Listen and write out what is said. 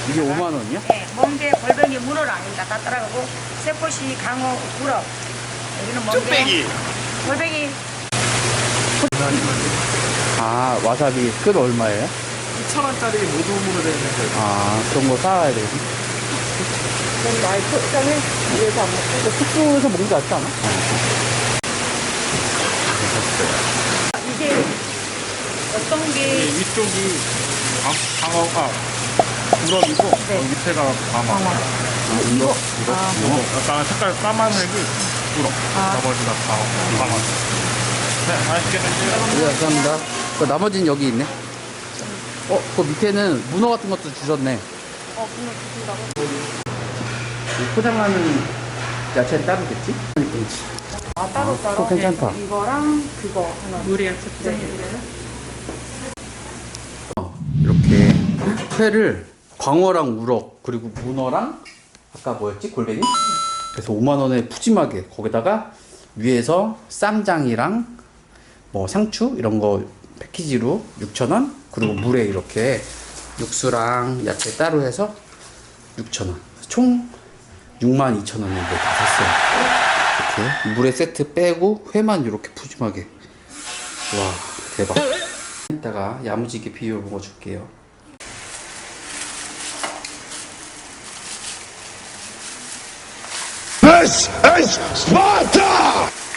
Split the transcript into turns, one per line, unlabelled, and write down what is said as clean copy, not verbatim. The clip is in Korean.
이게 5만 원이야?
네, 멍게, 골뱅이, 문어랑 여기다 다 따라가고 새꼬시, 강어, 우럭. 여기는 멍게,
뚝배기.
골뱅이.
아, 와사비 끝 얼마예요?
2,000원짜리 모둠으로 되어 있는 거.
아, 그런 거 사와야 되겠네.
그럼 나의 특성을 위해서 안 먹고.
숙소에서 먹는 게 낫지 않아?
이게 어떤 게
위쪽이 방어가 우럭이고
네.
밑에가 방어.
이거?
약간 색깔 까만색이 우럭. 나머지가 방어. 네, 맛있게 드세요.
네, 감사합니다. 나머지는 여기 있네. 그 밑에는 문어 같은 것도 주셨네.
문어 주신다고?
포장하는 야채는 따로겠지?
아, 따로.
괜찮다.
네, 이거랑 그거 하나.
물이야,
네.
이렇게 회를 광어랑 우럭 그리고 문어랑 아까 뭐였지? 골뱅이? 그래서 5만 원에 푸짐하게 거기다가 위에서 쌈장이랑 뭐 상추 이런 거 패키지로 6,000원 그리고 물에 이렇게 육수랑 야채 따로 해서 6,000원 총 62,000원인데 다 샀어요. 이렇게 물에 세트 빼고 회만 이렇게 푸짐하게 와 대박. 이따가 야무지게 비벼 먹어줄게요.
This is Sparta!